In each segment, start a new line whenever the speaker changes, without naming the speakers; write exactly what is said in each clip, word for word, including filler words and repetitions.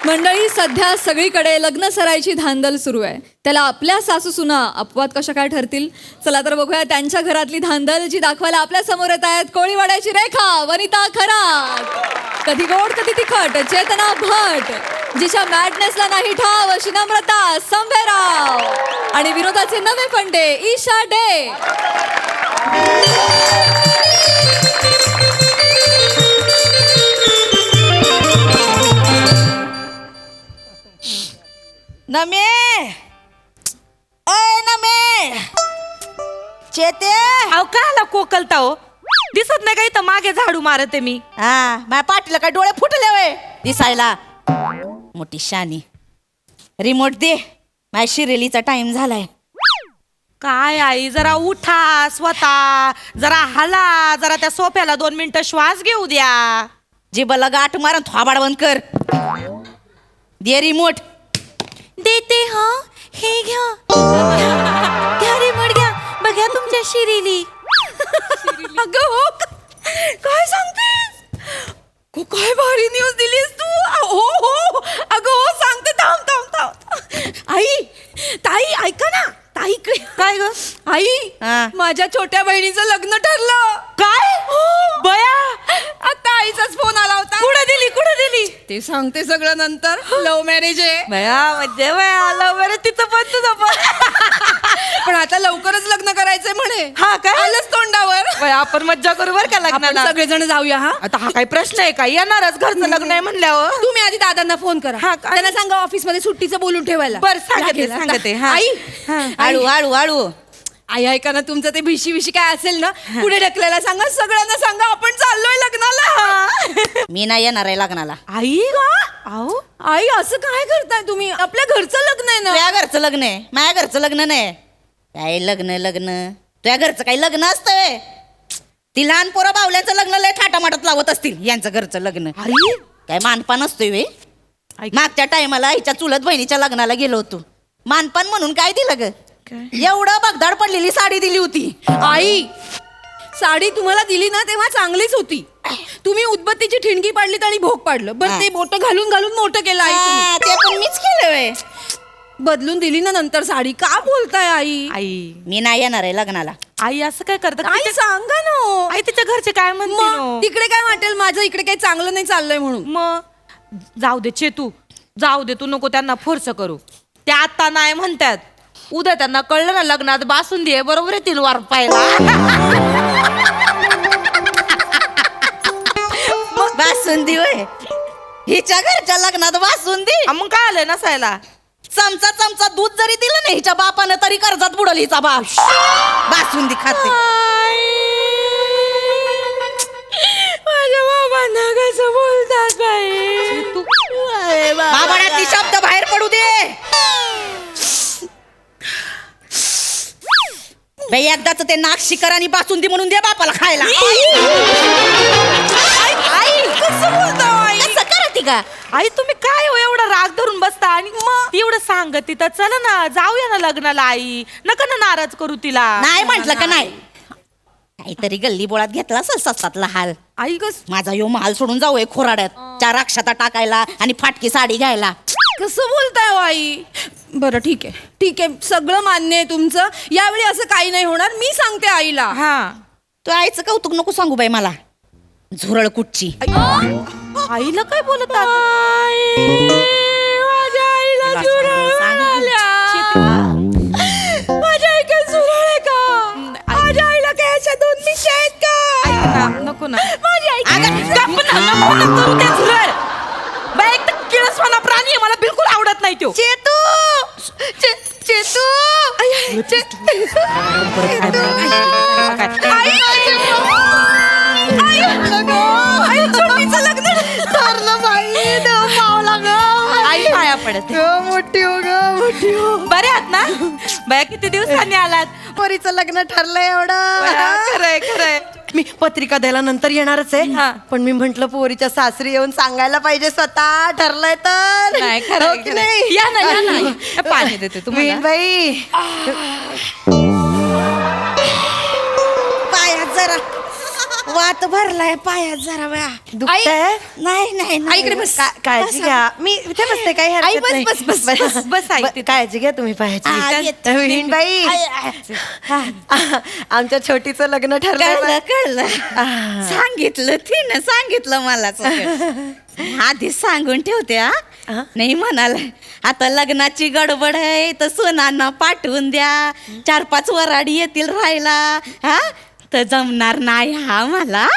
मंडळी, सध्या सगळीकडे लग्न सराईची धांदल सुरू आहे. त्याला आपल्या सासू सुना अपवाद कशा काय ठरतील? चला तर बघूया त्यांच्या घरातली धांदल, जी दाखवायला आपल्या समोर येत आहेत. कोळीवाड्याची रेखा, वनिता खरात, कधी गोड कधी तिखट चेतना भट, जिच्या मॅडनेसला नाही ठाव अशी नम्रता संभेराव, आणि विनोदाचे नवे फंडे ईशा डे.
नमे ओय नमे चेते
अहो काला कोकलता हो, दिसत नाही का इथं मागे झाडू मारते मी.
हा माझ्या पाठीला काय डोळे फुटले वय दिसायला. मोठी शानी, रिमोट दे, माझ्या शिरेलीचा टाइम झालाय.
काय आई, जरा उठा स्वतः, जरा हला, जरा त्या सोफ्याला दोन मिनिटं श्वास घेऊ द्या.
जिबला गाठ मारून थोबाड बंद कर. दे रिमोट.
देते हा, हे घ्या घ्या रिमोट घ्या. बघा तुमच्या शिरीली. अगं हो, काय सांगतेस? हो, काय भारी न्यूज दिलीस तू. हो हो अगं हो, सांगते, थांब थांब थांब. आई, ताई ऐका ना, ताई इकडे. काय ग आई,
हा.
माझ्या छोट्या बहिणीचं लग्न ठरलं. काय हो बया, आता आईचाच फोन आला होता. कुठे दिली कुठे दिली ते सांगते सगळं नंतर. लव्ह मॅरेज आहे बया. म्हणजे बया लव्ह मॅरेज तिचं पण तुझं पण. पण आता लवकरच लग्न करायचंय म्हणे. हा काय आलंच तोंडावर. आपण मज्जा करू बर का लग्नाला, सगळेजण जाऊया. हा आता हा काही प्रश्न आहे का, येणारच घरचं लग्न आहे म्हणल्यावर. तुम्ही आधी दादांना फोन करा. हा त्यांना सांगा ऑफिस मध्ये सुट्टीचं बोलून ठेवायला. बरं सांगते सांगते. आई
आळू आळू आळू
आई ऐका ना, तुमचं ते भिशी विशी काय असेल ना पुढे ढकलायला सांगा. सगळ्यांना सांगा आपण चाललोय लग्नाला.
मी नाही येणार आहे लग्नाला.
आई अहो आई, असं काय करताय तुम्ही? आपल्या घरचं लग्न आहे ना.
तुझ्या घरचं लग्न आहे, माझ्या घरचं लग्न नाही. काय लग्न लग्न तुझ्या घरचं काही लग्न असतं? ती लहान पोरं बावल्याचं लग्न लय थाटामाटात लावत असतील. यांचं घरचं लग्न काय मानपान असतोय वे. मागच्या टायमाला आईच्या चुलत बहिणीच्या लग्नाला गेलो होतो. मानपान म्हणून काय दिलं ग? एवढं बगदाड पडलेली साडी दिली होती.
आई, साडी तुम्हाला दिली ना तेव्हा चांगलीच होती. तुम्ही उदबत्तीची ठिणगी पाडलीत आणि भोग पाडलं. बरं, ते मोठं घालून घालून मोठं केलं आई तुम्ही.
ते पण मीच केलं वे.
बदलून दिली ना नंतर साडी. का बोलताय आई? आई
मी नाही येणार आहे लग्नाला.
आई असं काय करतात? आई सांगा ना. आई तिच्या घरचे काय म्हणतील? तिकडे काय वाटेल माझं इकडे काही चांगलं नाही चाललंय म्हणून. मग जाऊ दे चेतू, जाऊ दे, तू नको त्यांना फोर्स करू. ते आता नाही म्हणतात, उद्या त्यांना कळलं ना लग्नात बासुंदी आहे बरोबर येतील वारपायला.
बासुंदी वय हिच्या घरच्या लग्नात बासुंदी.
मग काय आलंय नसायला?
चमचा चमचा दूध जरी दिलं ना हिच्या बापानं तरी कर्जात बुडल हिचा बाप. बासुंदी खाते.
माझ्या बाबांना कसं बोलतात बाई.
बाबांना ती शब्द बाहेर पडू दे. बाई एकदाच ते नाक शिकर आणि बासुंदी म्हणून दे बापाला खायला.
आई कसं बोलता आई?
असं करते का
आई? तुम्ही काय हो एवढा राग धरून बसता? आणि मग एवढं सांगत तिथं, चला ना जाऊया ना लग्नाला. आई नका ना नाराज करू तिला.
नाही म्हंटल का नाही? काहीतरी गल्ली बोळात घेतला असेल सस्तातला हाल.
आई कस
माझा यो महाल सोडून जाऊ खोराड्यात चार अक्षता टाकायला आणि फाटकी साडी घ्यायला.
कसं बोलताय हो आई? बरं ठीक आहे ठीक आहे, सगळं मान्य आहे तुमचं. यावेळी असं काही नाही होणार, मी सांगते आईला. हा
तू आईचं कौतुक नको सांगू बाई मला. झुरळ कुठची.
आईला काय बोलत माझ्या आईला झुरळ आल्या. माझ्या आई काय झुरळ आहे का? माझ्या आईला काय अशा दोन मिशी आहेत का? नको ना माझी आई. बाई एक तर किळसवाना प्राणी आहे, मला बिलकुल आवडत नाही तो.
चेतू चेतू
आई पाया पडत
मोठी हो ग मोठी हो.
बरे आहात ना? बाया किती दिवसांनी आलात?
पोरीचं लग्न ठरलंय एवढं.
खरंय खरंय.
मी पत्रिका द्यायला नंतर येणारच
हा.
आहे, पण मी म्हंटल पोरीच्या सासरी येऊन सांगायला पाहिजे स्वतः ठरलंय तर.
नाही
हो
खरं
की नाही?
या ना या ना, पाणी देते तुम्हाला.
बाई
पायात जरा वात भरलाय पायात जरा वेळा
दुखतंय?
नाही नाही
आई, इकडे बस.
का- काळजी घ्या मी इथे बसते काही
आई,
हरकत
बस,
नाही.
बस, बस, बस, बस, आई,
ब-
तिथे.
काळजी घ्या तुम्ही
हा,
पाहायची
येते.
विहीणबाई आमच्या छोटीचं लग्न ठरलंय
कळलं
बा.
कळलं सांगितलं तिनं सांगितलं मला सगळं. आधी सांगून ठेवते हा
हा?
नाही म्हणाला आता लग्नाची गडबड आहे तर सोनांना पाठवून द्या चार पाच वराडी येतील राहायला हा तर जमणार नाही हा मला.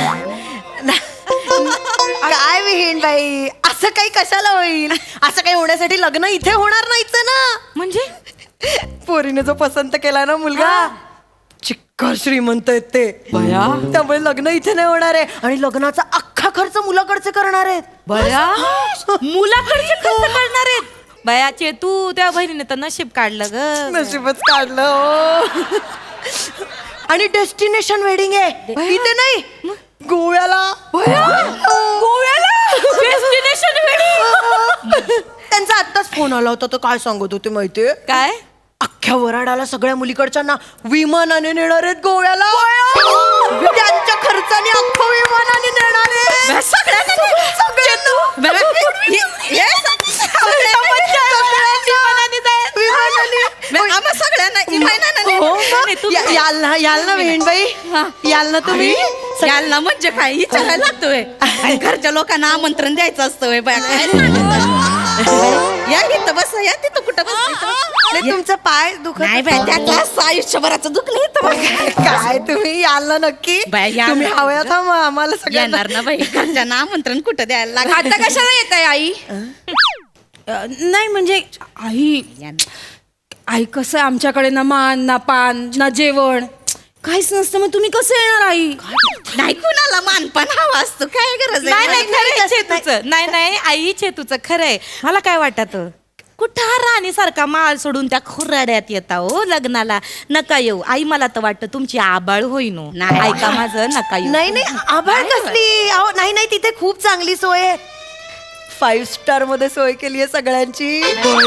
काय विहीणबाई असं काही कशाला होईल असं काही होण्यासाठी लग्न इथे होणार नाहीच ना.
म्हणजे
पोरीने जो पसंत केला ना मुलगा चिक्कार श्रीमंत आहेत ते त्यामुळे लग्न इथे नाही होणार आहे आणि लग्नाचा अख्खा खर्च मुलाकडचे करणार आहेत.
बया मुलाकडचे खर्च करणार आहेत. बयाचे तू त्या बहिणीने तर नशीब काढलं ग.
नशीबच काढलं हो. आणि डेस्टिनेशन वेडिंग आहे इथे नाही गोव्याला.
गोव्याला डेस्टिनेशन वेडिंग.
त्यांचा आत्ताच फोन आला होता तर काय सांगत होते माहितीये
काय
अख्ख्या वराडाला सगळ्या मुलीकडच्यांना विमानाने नेणार आहेत गोव्याला. त्यांच्या खर्चाने अख्खं विमानाने नेणार आहे सगळ्यांना.
आम्हा सगळ्यांना इमानाने.
हो, या- याल ना याल ना बहीणबाई याल ना तुम्ही
याल ना म्हणजे काय विचारायला लागतोय आणि घरच्या लोकांना आमंत्रण द्यायचं असतं होय बाया. काय सांगता? या इथं बस या तिथं कुठं बस
नाही, तुमचा पाय दुखत
नाही बाय त्यातलं आयुष्यभराचं दुखलं इथं बघ.
काय तुम्ही याल ना नक्की
बाय, या
तुम्ही
ना.
हव्या थांबा आम्हाला सगळ्यांना
येणार ना बाई घरच्यांना आमंत्रण कुठं द्यायला लागत.
आता कशाला येत आहे आई अ, नाही म्हणजे आई आई कसं आहे आमच्याकडे ना मान ना पान ना जेवण काहीच नसतं मग तुम्ही कसं येणार आई.
नाही कुणाला मानपान हवा असतो काय गरज
नाही नाही
आहे
खरंय चेतूचं नाही नाही आई चेतूचं खरंय. मला काय वाटत कुठं राणीसारखा माल सोडून त्या खुराड्यात येता हो लग्नाला. नका येऊ आई मला तर वाटतं तुमची आबाळ होईन हो.
नाही.
ऐका माझं नका येऊ.
नाही नाही आभाळ कसली अहो नाही नाही तिथे खूप चांगली सोय आहे फाईव्ह स्टार मध्ये सोय केली आहे सगळ्यांची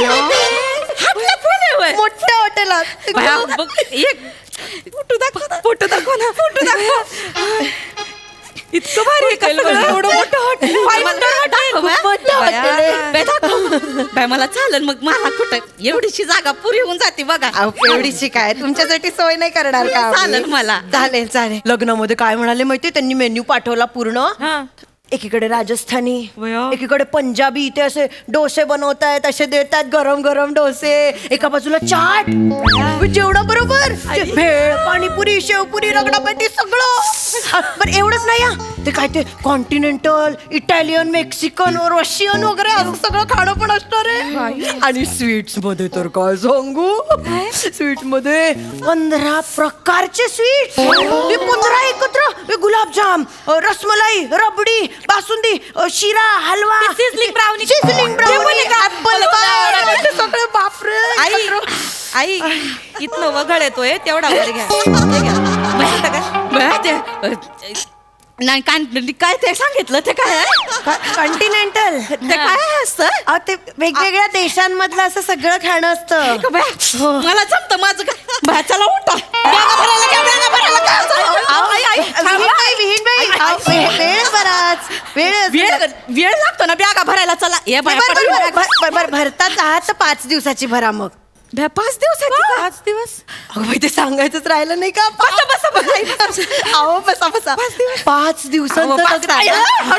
हातला फोन आहे होय.
मोठ्या हॉटेलात
बाया, बघ, एक फोटो दाखव फोटो दाखव ना फोटो दाखव.
इतकं भारी आहे का सगळं? एवढं मोठं हॉटेल five star हॉटेल.
खूप मोठं हॉटेल आहे. बाई, दाखव. बाई, मला चालेल मग मला कुठं एवढीशी जागा पुरी होऊन जाते बघा.
अहो, एवढीशी काय तुमच्यासाठी सोय नाही करणार का आम्ही?
चालेल मला.
चालेल चालेल लग्नामध्ये काय म्हणाले माहितीये त्यांनी मेन्यू पाठवला पूर्ण
हा.
एकीकडे राजस्थानी
वया.
एकीकडे पंजाबी इथे असे डोसे बनवतायत असे देतात गरम गरम डोसे एका बाजूला चाट जेवढा बरोबर भेळ पाणीपुरी शेवपुरी रगडापॅटी सगळं पण एवढंच नाही हा ते काय ते कॉन्टिनेंटल इटालियन मेक्सिकन रशियन वगैरे असं सगळं खाणं पण असणार आहे आणि स्वीट्स मध्ये तर काय सांगू स्वीट्स मध्ये पंधरा प्रकारचे स्वीट ते पंधरा एकत्र हे गुलाबजाम अ, रसमलाई रबडी बासुंदी अ, शिरा हलवा
sizzling brownie.
sizzling
ते पण
brownie,
आहे का?
apple
मला पण
pie, ते सगळे बापरे
आई आई इथनं वगळ येतोय तेवढा वर घ्या हे घ्या. बघितलं का?
बाई, ते नाही काय काय ते सांगितलं ते काय आहे?
कॉन्टिनेंटल
ते काय असतं
अहो, ते वेगवेगळ्या देशांमधलं असं सगळं खाणं असतं
का बाई? मला जमतं माझं काय बाई, चला उठा बॅगा भरायला घ्या, बॅगा भरायला घ्या.
अहो,
आई, आई,
विहीणबाई, विहीणबाई, अहो, वे- वेळ बराच वेळ
वेळ वेळ लागतो ना बॅगा भरायला चला ये बाई,
बर- बर-
पटकन
बर- बर- बर- भरताच आहात तर पाच दिवसाची भरा मग
बॅ, पाच दिवसाची का?
पाच दिवस
अहो बाई, ते सांगायचंच राहिलं नाही का बसा बसा बसा अहो बसा बसा पाच दिवसांचं लग्न आहे.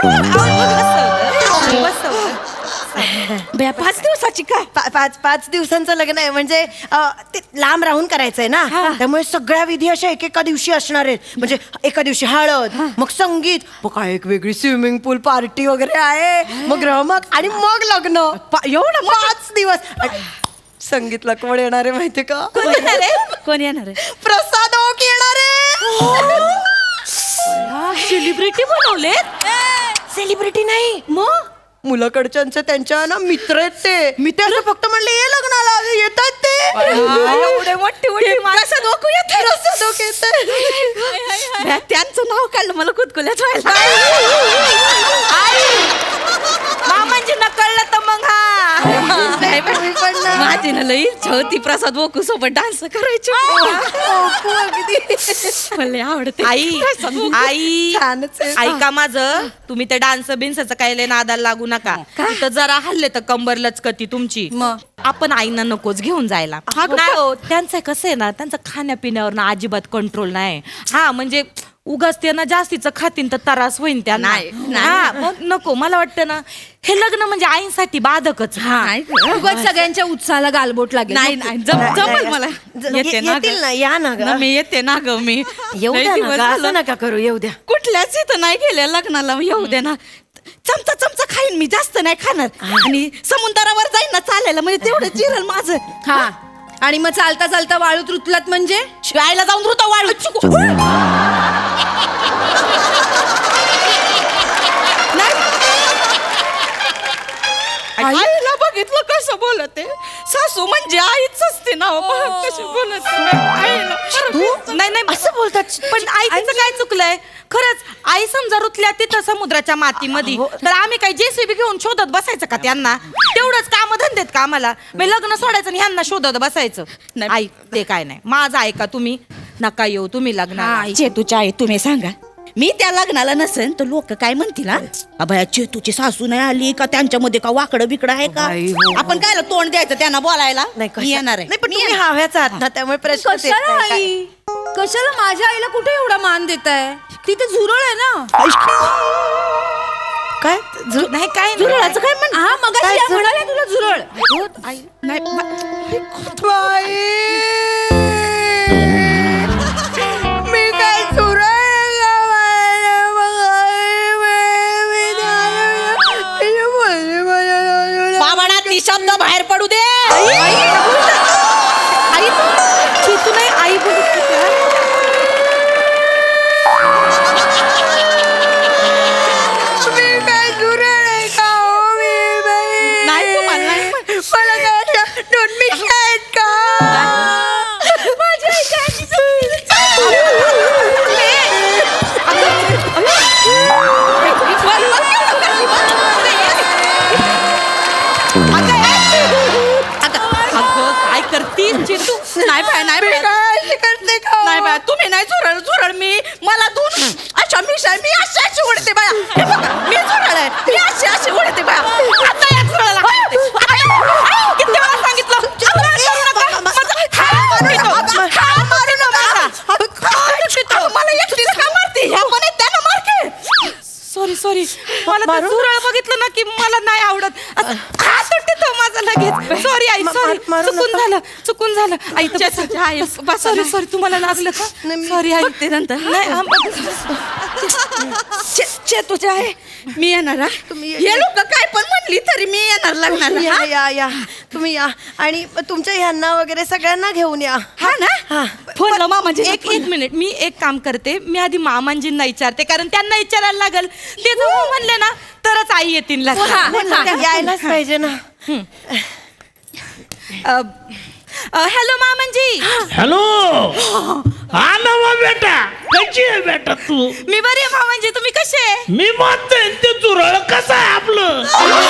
बॅ, पाच दिवसाची काय
पा- पाच पाच दिवसांचं लग्न आहे म्हणजे अ, ते लांब राहून करायचंय ना त्यामुळे सगळ्या विधी अशा एकेका दिवशी असणार आहेत म्हणजे एका दिवशी हळद मग संगीत मग काय एक वेगळी स्विमिंग पूल पार्टी वगैरे आहे मग रमक आणि मग लग्न पा- एवढं पाच दिवस आणि संगीतला कोण येणार आहे माहितीये का
कोण येणार आहे कोण येणार आहे
प्रसाद ओक येणार आहे
सेलिब्रिटी बनवले
सेलिब्रिटी नाही मग मुलाकडच्यांचे त्यांच्या ना मित्र आहेत ते मी ते असं फक्त म्हणले ये लग्नाला येतात ते
एवढे मोठे मोठे
प्रसाद ओकू येत
प्रसाद ओक येतंय.
बॅ, त्यांचं नाव काढलं मला कुतकुल्याच व्हायला
मामांची नकळलं तर मग हा
नाही, बाई,
तुम्ही पण ना.
माझ्या माझी ना लई इच्छा होती प्रसाद बोकू सोबत डान्स करायची. मला लई आवडते.
आई आई
छानच आहे.
ऐका माझं, तुम्ही ते डान्स बिन्सचं काय लय नादाला लागू नका. तर जरा हल्ले तर कंबर लचकती तुमची.
मग?
आपण आईना नकोच घेऊन जायला. नाही हो, त्यांचं कसं आहे ना, त्यांचं खाण्यापिण्यावर ना अजिबात कंट्रोल नाही. हा म्हणजे उगाच ते ना जास्तीचं खातीन तर त्रास होईन त्यांना.
नाही, नाही.
हा मग नको. मला वाटतं ना हे लग्न म्हणजे आईसाठी बाधकच.
नाही गं.
उगाच सगळ्यांच्या उत्साहाला गालबोट लागेल.
नाही नाही जम- जमल मला.
ज-
येते ना
येतील
गं.
ना, या ना ग.
ना, मी येते ना ग मी
येऊ
लई
द्या ना
दिवस
ग,
झालं.
असं नका करू, येऊ द्या.
कुठल्याच इथं नाही गेले लग्नाला, येऊ दे ना. चमचा चमचा खाईन मी, जास्त नाही खाणार. आणि समुद्रावर जाईन ना चालायला, म्हणजे तेवढं जिरल माझं.
हा आणि मग चालता चालता वाळूत रुतलात म्हणजे
शिवायला जाऊन रुता वाळू चिकू. आईला बघितलं कसं बोलत आहे. सासू म्हणजे आईच असते ना. कशी बोलत आहे. आईला
तू नाही नाही असं बोलतात. पण आईचं काय चुकलंय खरंच. आई समजा रुतल्या तिथं समुद्राच्या मातीमध्ये, तर आम्ही काय जेसीबी घेऊन शोधत बसायचं का त्यांना? तेवढंच काम धंदेत का आम्हाला? मी लग्न सोडायचं आणि ह्यांना शोधत बसायचं.
नाही.
आई ते काय नाही. माझं ऐका तुम्ही, नका येऊ तुम्ही लग्नाला.
चेतूच्या आई तुम्ही सांगा, मी त्या लग्नाला नसेन तर लोक काय म्हणतील? हा अभया चेतूची सासू नाही आली का, त्यांच्यामध्ये का वाकडं बिकडं आहे का?
बाई, हो, हो.
आपण काय तोंड द्यायचं त्यांना बोलायला?
नाही
मी
कशा-
येणार आहे.
नाही पण तुम्ही हव्याच आहात ना, त्यामुळे प्रश्न येत
कशाला
नाही.
आई कशाला माझ्या आईला कुठे एवढा मान देताय? तिथे झुरळ आहे ना.
काय झु-
नाही काय
झुरळाचं काय म्हण?
हा मग
काय झुरळ?
म्हणाले तुला झुरळ.
नाही
मी काय झुरळ
बाबांना ती शब्द बाहेर पडू दे.
आई तू नाही आई बोलत होती का?
नाही तुम्हाला नाही.
अगं काय करती चिंटू?
नाही बाय नाही बाय. नाही बाय तुम्ही नाही झुरळ झुरळ मी मला दोन अशा मिशा मी अशी अशी उडते बाया. हे बघा, मी झुरळ आहे, मी अशी अशी उडते बाया. आता या झुरळाला काय होते? आता- किती वेळा सांगितलं? आता करू नका. माझा हात पितो. हात मारू नका. हात पितो. मला एकटीला का मारते? ह्या पण आहेत, त्यांना मार की.
सॉरी सॉरी मला तर झुरळ बघितलं ना की मला नाही आवडत. असं हात तुटतो माझा लगेच. सॉरी आई
मा-
सॉरी
मार- मारू
चुकून
नका.
झालं चुकून झालं. आई सॉरी सॉरी तुम्हाला लागलं का? सॉरी आई
बघते नंतर.
नाही हा, बघ.
चेतूच्या आहे मी येणार हा.
तुम्ही-
हे लोक काय पण म्हणली तरी मी येणार
या
लग्नाला.
या या तुम्ही या आणि तुमच्या ह्यांना वगैरे सगळ्यांना घेऊन या.
हा ना.
हा.
फोन मामाजी
एक एक मिनिट मी एक काम करते. मी आधी मामांजींना विचारते कारण त्यांना विचारायला लागल. ते जर हो म्हणले ना तरच आई येतील लग्नाला.
यायलाच पाहिजे ना.
हॅलो मामांजी.
हॅलो हा नवा बेटा, कशी आहे बेटा तू?
मी बरी आहे मामांजी, तुम्ही कसे आहे?
मी म्हणतोय ते चुरळ कसं आहे आपलं?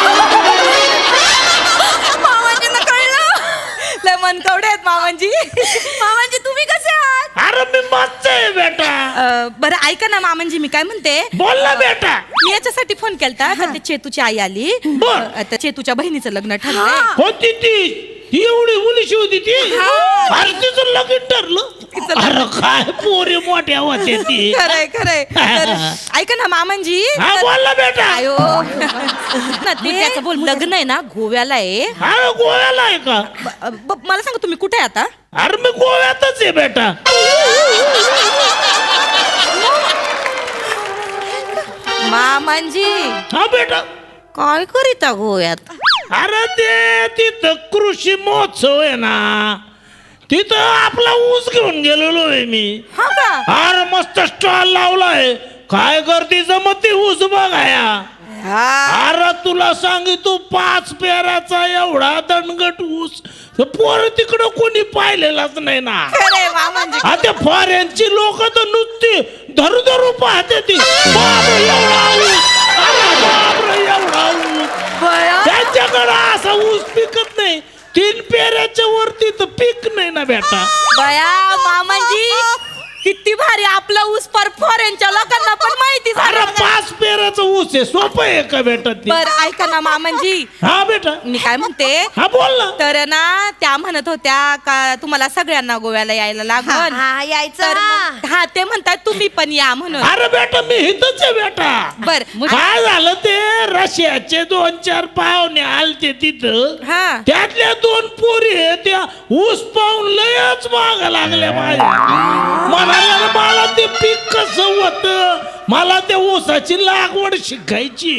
मामांजींना कळलं. लय मनकवडे आहेत मामांजी. मामांजी तुम्ही कसे आहात?
अरे मी मस्तय बेटा.
अ, बरं ऐका ना मामांजी, मी काय म्हणते,
बोल ना बेटा.
मी याच्यासाठी फोन केलता का ते चेतूची आई आली.
बर.
आता चेतूच्या बहिणीचं लग्न ठरलंय.
होती ती ती एवढी मुलीशी होती ती. अरे तिचं लगीन ठरलं. अरे काय पोरी मोठ्या होते ती.
खरंय खरंय. तर ऐका ना मामांजी.
हा बोल ना बेटा.
आयो ना ते त्याचं बोल लग्न आहे ना गोव्याला आहे.
हा गोव्याला आहे का?
ब- ब- मला सांगा तुम्ही कुठे आहे आता?
अरे मी गोव्यातच आहे बेटा.
मामांजी
हा बेटा.
काय करीता गोव्यात?
अरे ते तिथं कृषी महोत्सव आहे ना, तिथं आपला ऊस घेऊन गेलेलो आहे मी.
हा का?
अरे मस्त स्टॉल लावलाय. काय करते जमत ते ऊस बघाया. अरे तुला सांगितू पाच पेराचा एवढा दणगट ऊस पोर तिकडं कोणी पाहिलेलाच नाही ना.
खरंय मामांजी.
आता फॉरेनची लोक तर नुसती धरू धरू पाहते ती. बापरे एवढा ऊस, अरे बापरे एवढा ऊस. त्यांच्याकडं असा ऊस पिकत नाही. तीन पेरे तिथं पीक नाही ना बेटा.
बया मामांजी किती भारी आपला ऊस परफॉरेंच्या लोकांना पण माहिती
अरे
झालं.
पाच पेराचं ऊस आहे, सोपं आहे का बेटा ते?
बर ऐका ना मामांजी,
हा बेटा,
मी काय म्हणते,
हा बोल ना.
तर ना त्या म्हणत होत्या का तुम्हाला सगळ्यांना गोव्याला यायला लागल.
हा यायचं
तर मग- हा ते म्हणतात तुम्ही पण या म्हणून.
अरे बेटा मी इथंच आहे बेटा.
बर
काय झालं ते रशियाचे दोन चार पाहुणे आलते तिथं,
हा
त्यातल्या दोन पोरी आहे, त्या ऊस पाहून लयच माग लागल्या माझ्या. म्हणाल्या मला ते पीक कसं होत, मला त्या ऊसाची लागवड शिकायची.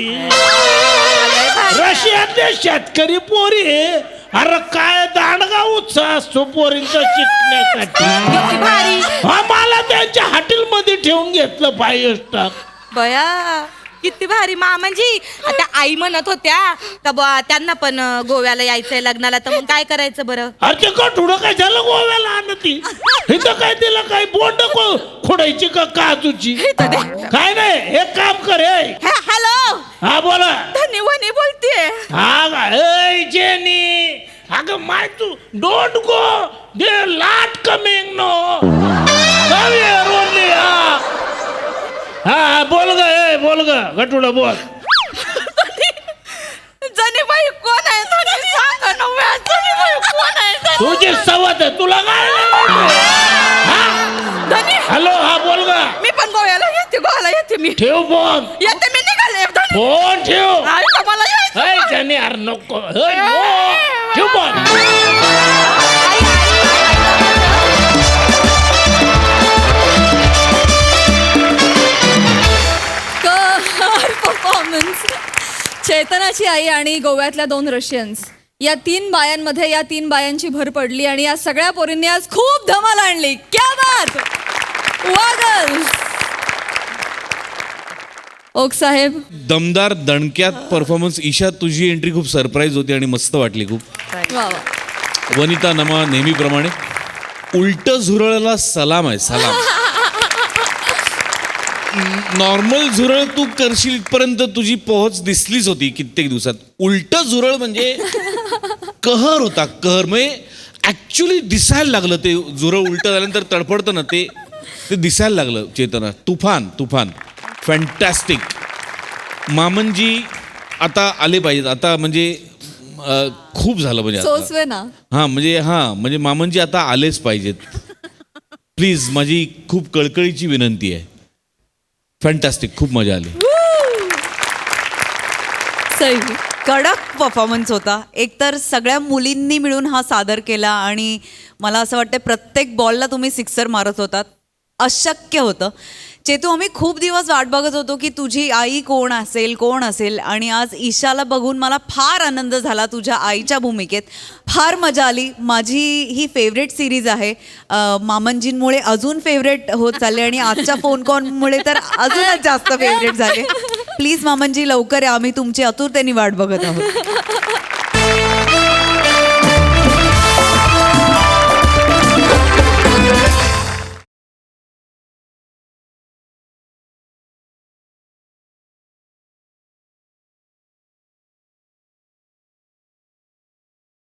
रशियातले शेतकरी पोरी आहे. अरे काय दांडगा उत्साह असतो पोरींचा शिकण्यासाठी.
किती भारी.
हा मला त्यांच्या हॉटेल मध्ये ठेवून घेतलं फाईव्ह स्टार.
बया किती भारी मामांजी. आता आई म्हणत होत्या का बा त्यांना पण अं, गोव्याला यायचंय लग्नाला, तर मग काय करायचं बरं.
अरे ते कठुडं काय झालं गोव्याला आणती, इथं काय तिला काय बोंड खोडायची का काजूची. काय नाही एक काम कर.
हॅ- हॅलो
हा बोला.
धनी वनी बोलतीये.
हा का ए जेनी, अगं माय तू डोंट गो दे लाट कमिंग नो. हा बोल ग, ए बोल ग गटुडा बोल.
जनीबाई कोण आहे धनी सांगा ना व्या. जनीबाई कोण आहे धनी?
तुझी सवत आहे, तुला काय
धनी
हॅलो. हा बोल ग.
मी पण गोव्याला येते, गोव्याला येते मी.
ठेव फोन,
येते मी निघाले धनी.
फोन ठेव.
आई का मला यायचं.
ए जेनी अरे नको. ए, नो. ठेव फोन.
परफॉर्मन्स. चेतनाची आई आणि गोव्यातल्या दोन रशियन्स या तीन बायांमध्ये या तीन बायांची भर पडली आणि या सगळ्या पोरींनी आज खूप धमाल आणली. क्या बात. वागल ओक साहेब.
दमदार दणक्यात परफॉर्मन्स. ईशा तुझी एंट्री खूप सरप्राईज होती आणि मस्त वाटली खूप.
वा वा.
वनिता नमा नेहमीप्रमाणे उलट झुरळला सलाम आहे, सलाम. नॉर्मल झुरळ तू करशील इथपर्यंत तुझी पोहोच दिसलीच होती कित्येक दिवसात. उलट झुरळ म्हणजे कहर होता, कहर. म्हणजे ऍक्च्युली दिसायला लागलं ते झुरळ उलट झाल्यानंतर तडफडतं ना, ते ते दिसायला लागलं. चेतना तुफान तुफान फॅन्टॅस्टिक. मामनजी आता आले पाहिजेत आता, म्हणजे अं, खूप झालं म्हणजे आता.
सोसवे ना.
हां म्हणजे हां म्हणजे मामनजी आता आलेच पाहिजेत प्लीज. माझी खूप कळकळीची विनंती आहे. फॅन्टॅस्टिक, खूप मजा आली.
सही.
कडक परफॉर्मन्स होता. एकतर सगळ्या मुलींनी मिळून हा सादर केला आणि मला असं वाटतं प्रत्येक बॉलला तुम्ही सिक्सर मारत होतात. अशक्य होतं. चेतू, आम्ही खूप दिवस वाट बघत होतो की तुझी आई कोण असेल कोण असेल आणि आज ईशाला बघून मला फार आनंद झाला तुझ्या आईच्या भूमिकेत. फार मजा आली. माझी ही फेवरेट सिरीज आहे. अं, मामनजींमुळे अजून फेवरेट होत चालले आणि आजच्या फोन कॉलमुळे तर अजूनच जास्त फेवरेट झाले. प्लीज मामनजी लवकर या, आम्ही तुमची आतुरतेने वाट बघत आहोत.